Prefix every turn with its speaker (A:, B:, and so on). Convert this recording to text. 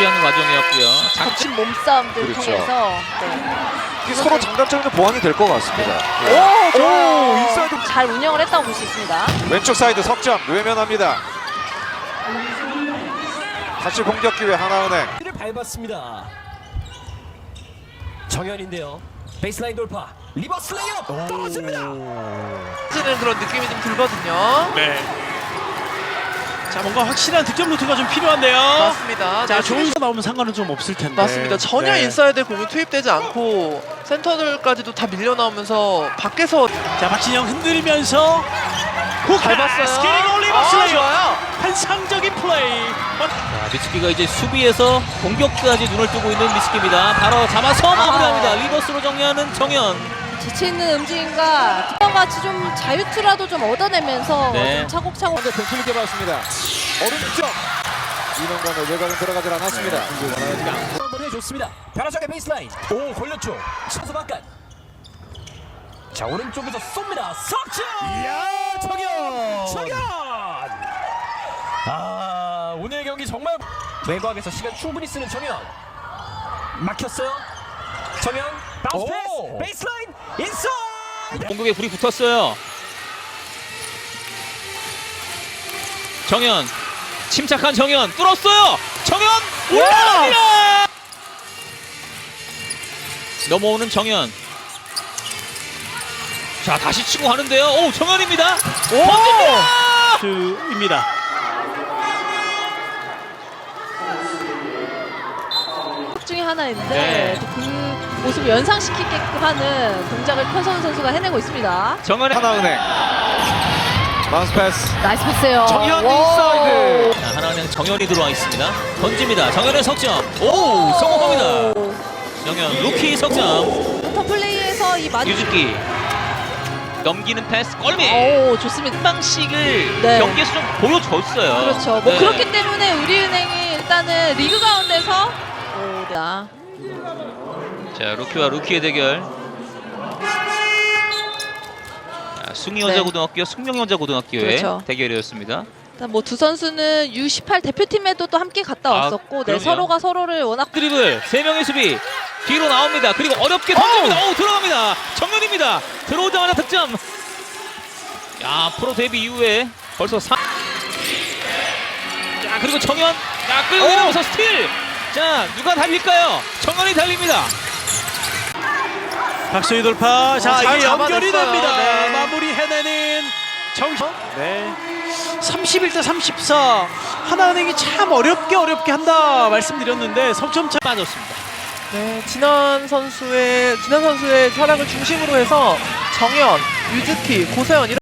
A: 준비하는 과정이었고요.
B: 겹친 몸싸움들
C: 그렇죠.
B: 통해서
C: 서로 장단점이 보완이 될 것 같습니다.
B: 오,
C: 인사이드
B: 잘 운영을 했다고 볼 수 있습니다.
C: 왼쪽 사이드 석점 외면합니다. 다시 공격 기회 하나은행.
D: 를 밟았습니다. 정현인데요. 베이스라인 돌파. 리버스 레이업 떨어집니다.
E: 는 그런 느낌이 좀 들거든요.
F: 네. 자, 뭔가 확실한 득점 루트가 좀 필요한데요.
E: 맞습니다.
F: 자,
E: 네,
F: 좋은 거 나오면 상관은 좀 없을 텐데.
E: 맞습니다. 전혀
F: 네.
E: 인사이드 공이 투입되지 않고 센터들까지도 다 밀려 나오면서 밖에서
F: 자, 박진영 흔들면서
E: 잘 봤어요.
F: 스케이팅 리버스 레이업.
E: 좋아요.
F: 환상적인 플레이.
A: 자, 미츠키가 이제 수비에서 공격까지 눈을 뜨고 있는 미츠키입니다. 바로 잡아서 마무리합니다. 리버스로 정리하는 정현.
B: 지치 있는 움직임과 같이 좀 자유투라도 좀 얻어내면서
A: 네.
B: 좀 차곡차곡
C: 상대편 힘있게 봤습니다. 오른쪽 이동간의 외곽은 들어가질 않았습니다.
D: 한번 해줬습니다. 변화적인 베이스라인. 오 걸렸죠. 선수 바깥. 자 오른쪽에서 쏩니다. 석점. 이야 정현. 아 오늘 경기 정말 외곽에서 시간 충분히 쓰는 정현. 막혔어요. 정현 바운스 패스. 베이스라인 인사이드.
A: 공격에 불이 붙었어요. 정현. 침착한 정현. 뚫었어요. 정현. 올라갑니다. 넘어오는 정현. 자, 다시 치고 가는데요. 오, 정현입니다. 던집니다.
F: 입니다.
B: 중에 하나인데
A: 네.
B: 또 그 모습을 연상시키게끔 하는 동작을 편성훈 선수가 해내고 있습니다.
A: 정현의
C: 하나은행 마운스 패스.
B: 나이스 패스예요.
C: 정현
B: 와.
C: 인사이드.
A: 자, 하나은행 정현이 들어와 있습니다. 던집니다. 정현의 석점. 오, 성공합니다. 정현 루키 석점.
B: 포터 플레이에서 이
A: 유즈키 넘기는 패스 골밑.
B: 오, 좋습니다.
A: 한 방식을
B: 네.
A: 경기에서 좀 보여줬어요.
B: 그렇죠. 뭐
A: 네.
B: 그렇기 때문에 우리은행이 일단은 리그 가운데서 자,
A: 자, 루키와 루키의 대결. 자, 숭이여자고등학교와 숙명여자고등학교의
B: 그렇죠.
A: 대결이었습니다.
B: 뭐 두 선수는 U18 대표팀에도 또 함께 갔다 왔었고, 네,
A: 그럼요.
B: 서로가 서로를 워낙
A: 드리블 3명의 수비 뒤로 나옵니다. 그리고 어렵게 던집니다. 오, 들어갑니다. 정현입니다. 들어오자마자 득점. 야, 프로 데뷔 이후에 벌써 3. 자, 그리고 정현. 자, 끌고 내려오면서 스틸. 자, 누가 달릴까요? 정현이 달립니다.
F: 박소희 돌파. 자,
E: 잘
F: 이게 연결이
E: 잡아냈어요.
F: 됩니다.
E: 네.
F: 마무리 해내는 정현. 네. 31대 34. 하나은행이 참 어렵게 한다 말씀드렸는데 석점 차
A: 빠졌습니다.
E: 네, 진한 선수의 활약을 중심으로 해서 정현, 유즈키, 고세현 이런